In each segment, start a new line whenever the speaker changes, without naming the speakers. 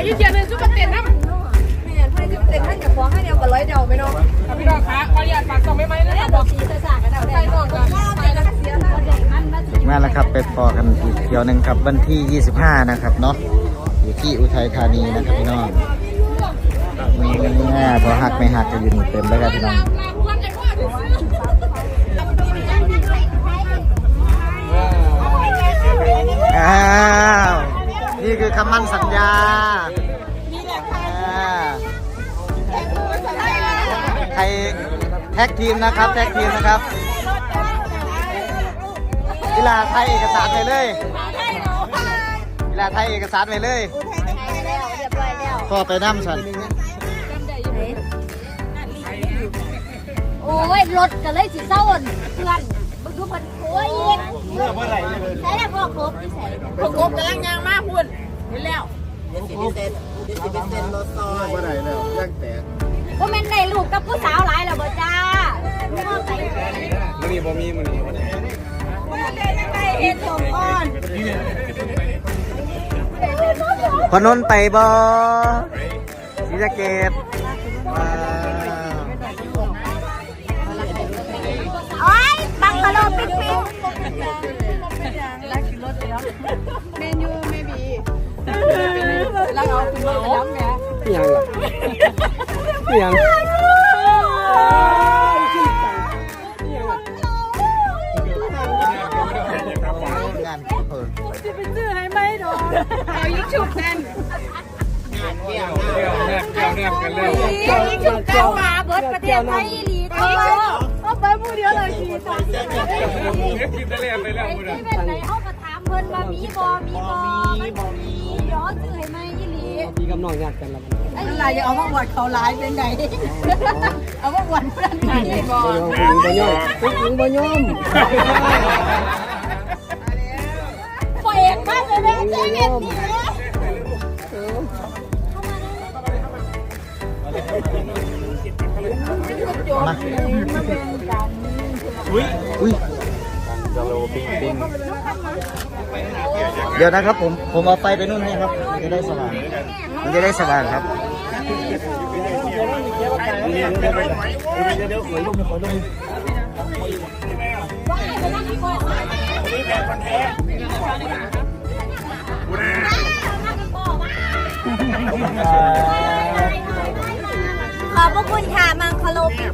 ยี่เจียนเลยซุปเปอร์เต็นน้ำเนี่ยให้ซุปเปอร์เต็นให้กับฟ้องให้เดียวกับร้อยเดียวไม่น้องพี่น้องคะขออนุญาตฝากส่งไม่ไหมนะบอกสีสากกันเอาได้น้องก็ไปแล้วเสีย
ถึงแม้แล้วครับไปพอกันอีกเที่ยวหนึ่งครับวันที่25นะครับเนาะอยู่ที่อุทัยธานีนะครับพี่น้องพอหักไม่หักจะยืนเต็มแล้วครับพี่น้องนี่คือคำมั่นสัญญาใครแท็กทีมนะครับแท็กทีมนะครับกีฬาไทยเอกสารไปเลยกีฬาไทยเอกสารไปเลยก็ไปน้ำสัน
โอ้ยรถก็เลยสิเศร้าเพื่อนมึงดูมันโอ้ยใช่แล้วพ่อครบที่ใส่
พ่อครบกำลังยางมากพุ่นนี่แล้ว
รถต่อเมื่อไหร่แล้วย่างแตก
ก็แม่นได้ลูกกับผู้สาวหลายแล้วบ่จ้า
มันนี่บ่มีมันนี่
เฮ็ดสมอ่อน
พนนไปบ่ศรีสะเกษ
โอ้ยบังกะโลปิ๊ก
เมนูไม่บีแล้วเอาคุณมาแล้วแม่
ยังล่ะยังงาน
จะไปซื้อให้ไหมดอกเอายิ่งฉุกแน่น
กันเลยยิ่งฉุกเจ้ามาเบิดประเทศไทยลีเอาไปมือเดียวเลยที
กินทะเลไปแล้วมือเดียว
เป็นไหนเอากระถามเพิ่นว่ามีย้อนซื้อให้ไหมยี่หลี
มีกำนองงานกันแล้ว
อะไรจะเอามาหวัดเขาร้ายเป็นไงเอามาหวัดเพื่อนไงบอล
บ่ยอมถึงบ่ยอม
ปล่อยเองมากเลยนะเจ๊เม็ดนี่
มาอุ้ยเดี๋ยวนะครับผมเอาไฟไปนู่นให้ครับจะได้สว่างมันจะได้สว่างครับ
ขอบพระคุณค่ะมังคโลปิ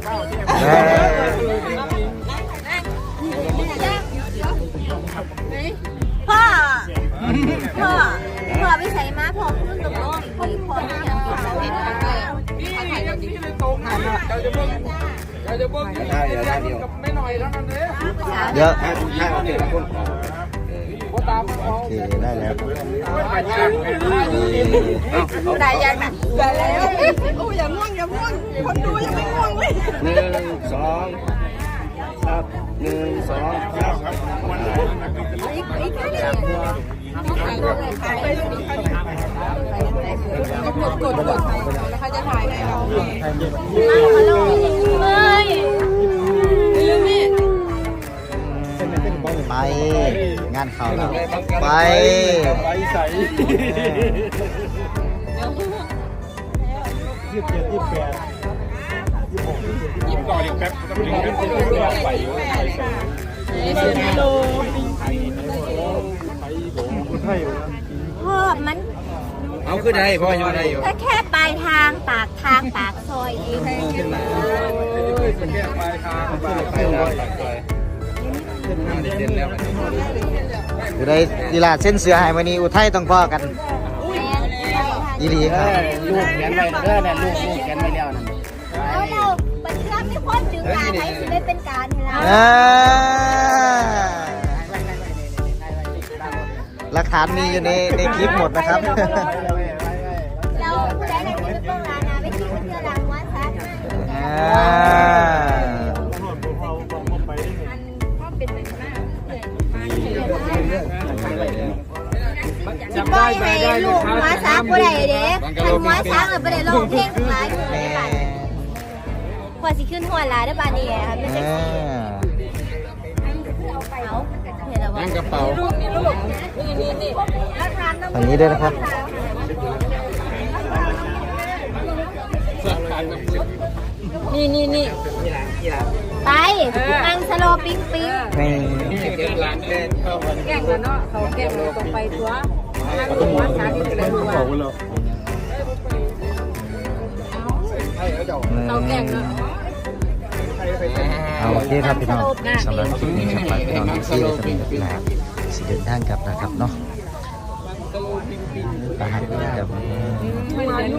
พ่อไปใส่ม้าพ่อขึ้นกับน้องพ่อที่ยังกินเราเห็นกันเลย
ไม่หน่อยแล้วนั่นเลย
เดี๋ยวโอเคได้แล้ว
ได้ยังนะได้แล้วโอ้อย่าม่วงคนดูยังไม่ม่วงเลย
1 2 ครับ1 2ครับ
กดแล้วเขาจะถ่ายให้เรา
ไปงานเขาแล้วไปใส่
พ่อมัน
เอาขึ้นได้พ่อยังได้อยู่
แค่ปลายทางปากซอยเอง
เป็นแค่ปลายทางอยู่ในกีฬาเส้นเสือหายวันนี้อุทัยต้องพ่อกันดีดีครับ
ลูกแขนไปเด้อเนี่ยลูกแขนไปแล้วนะ
แล้วเราเป็นเรื่องที่พ้นถึงการไหนสิได้เป็นการให้เรา
หลักฐานมีอยู่ในคลิปหมดนะครับ
เราผู้ใดในคลิปต้องร้านนะไปคลิปเพื่อรางวัลซะจะปล่อยให้ลูกมาซักบ่ได้เด้คันมาซักบ่ได้ร้องเพลงหลายอยู่ในบ้านกว่าสิขึ้นหัวหลายได้บ้านนี้ค่ะไม่ใช่
นั่งกระเป๋าฝั่งนี้ด้วยนะครับ
นี่
ไปนั่งสโลปิ้ง
แม่
แกงแล้วเนาะเขาแกงตรงไปตัวนั่งลงมาสาที่จะได้รู้ว่าเขาแกงเนาะ
เอาโอเคครับพี่น้องสำหรับคลิปนี้ครับฝากพี่น้องที่ซีเลยสำหรับพี่น้องสิเดินทางกลับนะครับเนาะประหัตกับ